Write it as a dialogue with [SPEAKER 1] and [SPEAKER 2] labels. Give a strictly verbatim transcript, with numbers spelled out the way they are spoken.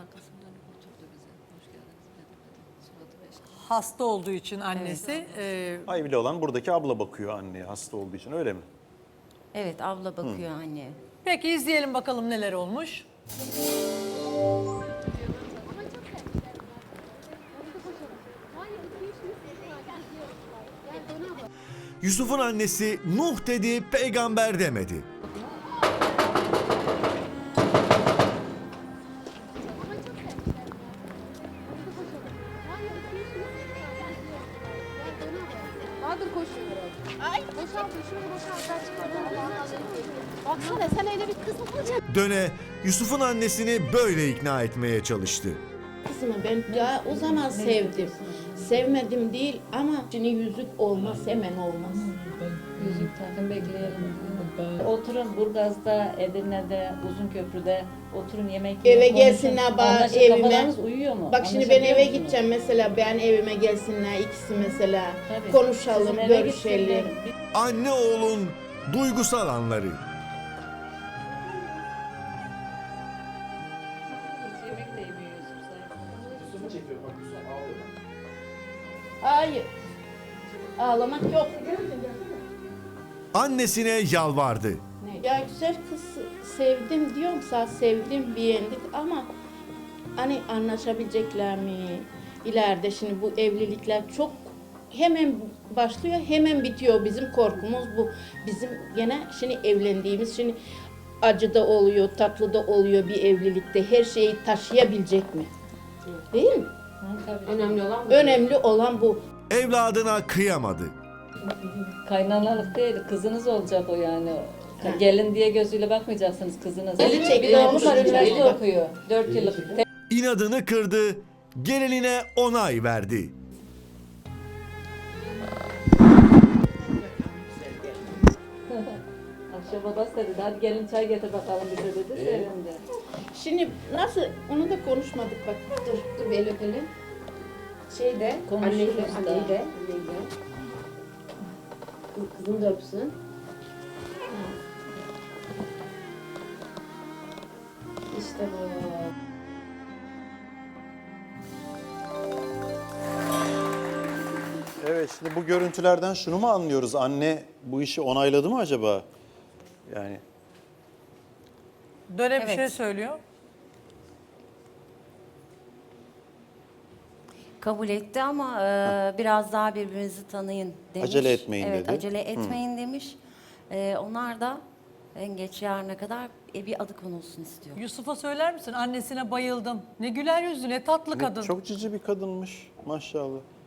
[SPEAKER 1] arkasından dönüp oturdu bize. Hoş geldiniz dedi. Suratı beş.
[SPEAKER 2] Hasta olduğu için annesi. e,
[SPEAKER 3] Hayvili olan buradaki abla bakıyor anneye hasta olduğu için, öyle mi?
[SPEAKER 4] Evet, abla bakıyor anne.
[SPEAKER 2] Peki izleyelim bakalım neler olmuş.
[SPEAKER 5] Yusuf'un annesi Nuh dedi, peygamber demedi.
[SPEAKER 6] Bahadır koşuyor. Ay boşalt şunu boşalt. Baksana sen öyle bir kız mı olacaksın?
[SPEAKER 5] Döne Yusuf'un annesini böyle ikna etmeye çalıştı.
[SPEAKER 7] Kızımı ben ya o zaman sevdim. Sevmedim değil ama şimdi yüzük olmaz, hemen olmaz.
[SPEAKER 1] Yüzük takın bekleyelim. Oturun Burgaz'da, Edirne'de, Uzunköprü'de oturun yemek yiyin.
[SPEAKER 7] Eve
[SPEAKER 1] konuşun.
[SPEAKER 7] gelsinler bana
[SPEAKER 1] Anlaşın,
[SPEAKER 7] evime.
[SPEAKER 1] kafalarınız uyuyor mu?
[SPEAKER 7] Bak şimdi ben
[SPEAKER 1] Anlaşabiliyor
[SPEAKER 7] eve
[SPEAKER 1] musunuz?
[SPEAKER 7] gideceğim mesela, ben evime gelsinler ikisi mesela.
[SPEAKER 1] Tabii.
[SPEAKER 7] Konuşalım,
[SPEAKER 1] Sizin eve
[SPEAKER 7] görüşelim.
[SPEAKER 1] gitsinler.
[SPEAKER 5] Anne oğlun duygusal anları.
[SPEAKER 1] Hiç yemek de yemiyor Yusuf Sayın.
[SPEAKER 7] Hayır. Ağlamak yok.
[SPEAKER 5] Annesine yalvardı.
[SPEAKER 7] Ya güzel kız sevdim diyorum sana, sevdim beğendik ama hani anlaşabilecekler mi? İleride şimdi bu evlilikler çok hemen başlıyor, hemen bitiyor. Bizim korkumuz bu. Bizim gene şimdi evlendiğimiz, şimdi acı da oluyor, tatlı da oluyor bir evlilikte. Her şeyi taşıyabilecek mi? Değil mi?
[SPEAKER 6] Önemli olan bu.
[SPEAKER 7] Önemli olan bu.
[SPEAKER 5] Evladına kıyamadı.
[SPEAKER 1] Kaynanalık değil, kızınız olacak o yani.
[SPEAKER 7] Ha.
[SPEAKER 1] Gelin diye gözüyle bakmayacaksınız kızınız.
[SPEAKER 7] Eli çekiyor,
[SPEAKER 1] Bir de oğlum var,
[SPEAKER 7] düşünce.
[SPEAKER 1] üniversite
[SPEAKER 7] Bak.
[SPEAKER 1] okuyor. Dört yıllık.
[SPEAKER 5] İnadını kırdı, gelinine onay verdi.
[SPEAKER 1] Akşam babası da dedi, hadi gelin çay getir bakalım bize dedi, sevindi.
[SPEAKER 7] Şimdi nasıl, onu da konuşmadık bak. Dur.
[SPEAKER 6] Dur bir el öpelim. Şey de,
[SPEAKER 1] Konuşuruz
[SPEAKER 6] anneyi de,
[SPEAKER 1] da.
[SPEAKER 6] anneyi de, anneyi de. Kız- Kızını da öpsün. İşte bu.
[SPEAKER 3] Evet, şimdi bu görüntülerden şunu mu anlıyoruz? Anne bu işi onayladı mı acaba? Yani
[SPEAKER 2] Döne bir
[SPEAKER 4] Evet.
[SPEAKER 2] şey söylüyor.
[SPEAKER 4] Kabul etti ama e, biraz daha birbirinizi tanıyın demiş.
[SPEAKER 3] Acele etmeyin
[SPEAKER 4] evet,
[SPEAKER 3] dedi.
[SPEAKER 4] acele etmeyin demiş. E, onlar da en geç yarına kadar e, bir adı konulsun istiyor.
[SPEAKER 2] Yusuf'a söyler misin? Annesine bayıldım. Ne güler yüzlü, ne tatlı kadın.
[SPEAKER 3] çok cici bir kadınmış maşallah.